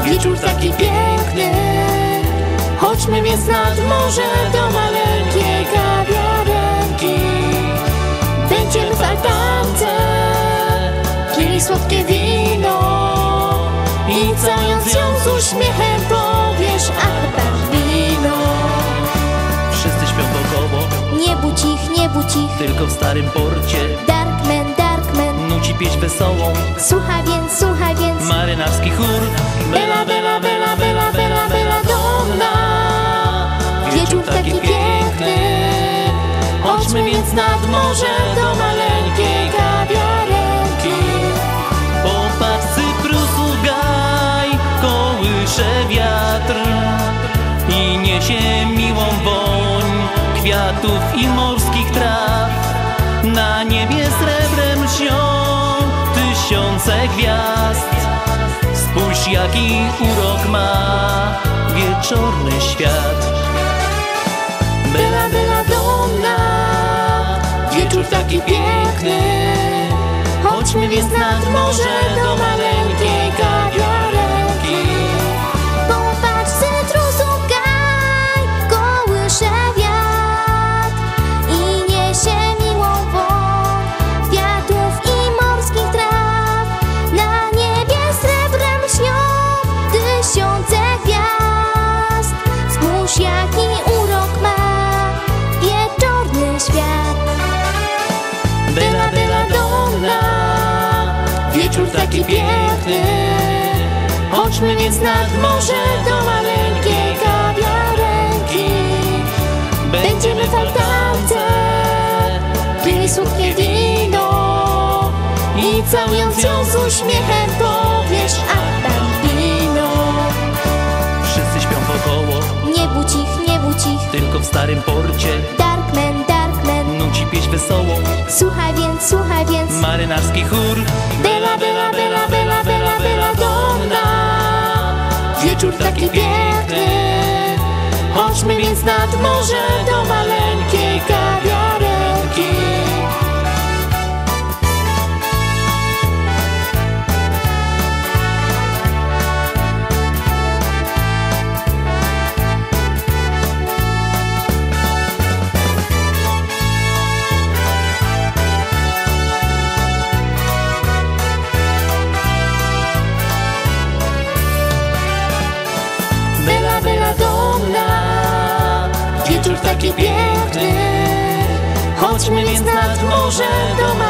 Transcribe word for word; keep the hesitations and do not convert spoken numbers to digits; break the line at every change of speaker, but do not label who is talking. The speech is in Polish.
Wieczór taki piękny, chodźmy więc nad morze do maleńkiej kawiarenki. Będziemy w altance pili słodkie wino i całując ją z uśmiechem powiesz: ach, bambino.
Wszyscy śpią wokoło,
Nie budź ich, nie budź ich,
tylko w starym porcie
Darkman, Darkman,
nuci pieśń wesołą.
słuchaj więc, słuchaj więc.
Marynarski chór.
Bella, bella, bella, bella, bella, bella donna. Wieczór taki piękny, chodźmy więc nad morze do maleńkiej kawiarenki.
Popatrz, cyprusu gaj, kołysze wiatr i niesie miłą woń kwiatów i morskich traw. Na niebie srebrem lśnią tysiące gwiazd. Spójrz, jaki urok ma wieczorny świat.
Bella, bella donna. Wieczór taki piękny, chodźmy więc nad morze do maleńkiej kawiarenki. Popatrz, cytrusu gaj, kołysze wiatr i niesie miłą woń kwiatów i morskich traw. Na niebie srebrem lśnią tysiące gwiazd. Spójrz, jaki urok ma wieczorny świat. Bella, bella donna. Wieczór taki piękny, chodźmy więc nad morze do maleńkiej kawiarenki. Będziemy w altance pili słodkie wino i całując ją z uśmiechem powiesz: ach, bambino.
Wszyscy śpią wokoło,
Nie budź ich, nie budź ich,
tylko w starym porcie
Darkman, Darkman,
nuci pieśń wesołą.
słuchaj więc, słuchaj więc.
Marynarski chór.
Bella, bella, bella, bella, bella, bella donna. Wieczór taki piękny, chodźmy więc nad morze do maleńkiej kawiarenki. Bella, bella donna. Wieczór taki piękny, chodźmy więc nad morze do